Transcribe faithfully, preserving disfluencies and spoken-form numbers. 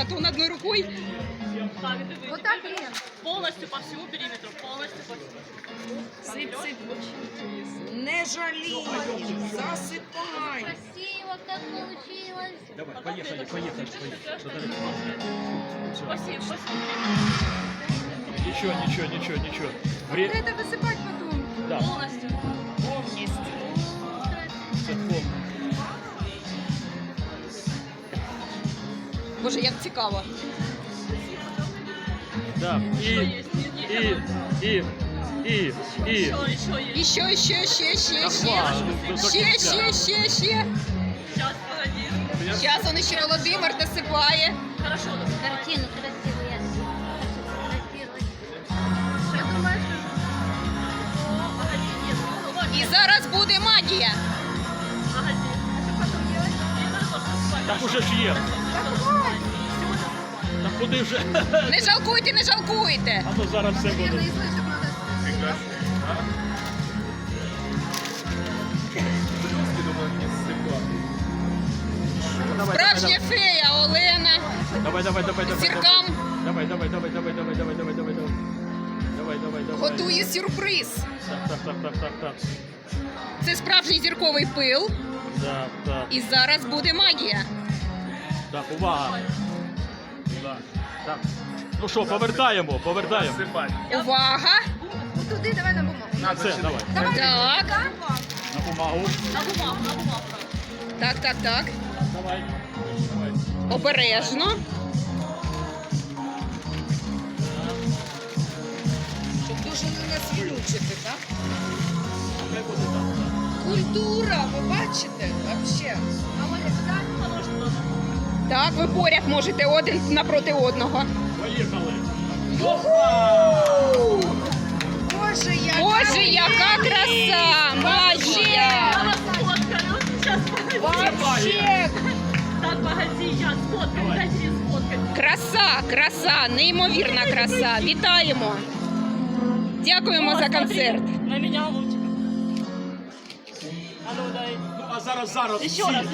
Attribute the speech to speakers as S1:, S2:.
S1: батон одной рукой.
S2: Так, диви.
S3: Вот так, Лен.
S2: Повністю по всьому периметру, повністю по всьому.
S1: Сип, сип. Не жалій, засипай.
S3: Красиво, как получилось.
S4: Давай, поехали, поехали, поехали.
S2: Спасибо, спасибо.
S4: Ничего, ничего, ничего, ничего.
S3: Надо
S4: Вре...
S3: это высыпать потом.
S4: Да,
S2: Повністю.
S1: Повністю.
S4: це повно.
S1: Боже, як цікаво.
S4: Да. І, і, і, і, і.
S2: Еще, еще есть.
S1: І ще, ще, ще, ще,
S4: Ага,
S1: ще.
S4: ну, до
S1: Ще,
S4: кінця.
S1: ще, ще, ще.
S2: Сейчас, погоди.
S1: Зараз он ще Володимир досипає.
S2: Хорошо, досыпай.
S3: Картину красивую я сфотографировать. Я думаю, что...
S2: О, погоди, нет, ну, вот,
S1: І зараз буде магія.
S2: погоди.
S3: что потом делать?
S2: Мне надо тоже досыпать.
S4: Так уже ж є. Так куди вже?
S1: Не жалкуйте, не жалкуйте.
S4: А то зараз все
S3: Наверное,
S4: буде.
S3: и слышать надо.
S1: Справжня фея Олена.
S4: Давай, давай, давай, давай.
S1: Зіркам.
S4: Давай, давай, давай, давай, давай, давай, давай, давай, давай. Давай, давай, давай.
S1: Готує сюрприз.
S4: Так, так, так, так, так, так.
S1: Це справжній зірковий пил.
S4: Так, так,
S1: І зараз буде магія.
S4: так, увага. Так, так. Ну що, повертаємо, повертаємо.
S1: Увага!
S3: Вот туди, давай на бумагу.
S4: На це, давай.
S3: Давай,
S1: Так.
S4: На бумагу.
S2: На бумагу, на бумагу.
S1: Так, так, так.
S4: Давай. Давай.
S1: Обережно. Щоб дуже не насвілючити, так?
S4: Хай буде так.
S1: Культура, ви бачите? Вообще.
S3: А Оля, сюда?
S2: А може туди?
S1: Так, ви поряд можете один напроти одного.
S4: Поїхали.
S3: Боже, я...
S1: Боже, яка краса! Магія!
S2: Я вас сфоткаю. Сейчас, погоди.
S1: Вообще!
S2: Так, погоди, я сфоткаю, дайте мне сфоткать.
S1: Краса, краса, неймовірна краса. Вітаємо! Дякуємо
S2: О,
S1: за
S2: смотри,
S1: концерт.
S2: На меня лучик. А ну дай.
S4: Ну, а зараз, зараз.
S2: Еще
S4: всі.
S2: раз.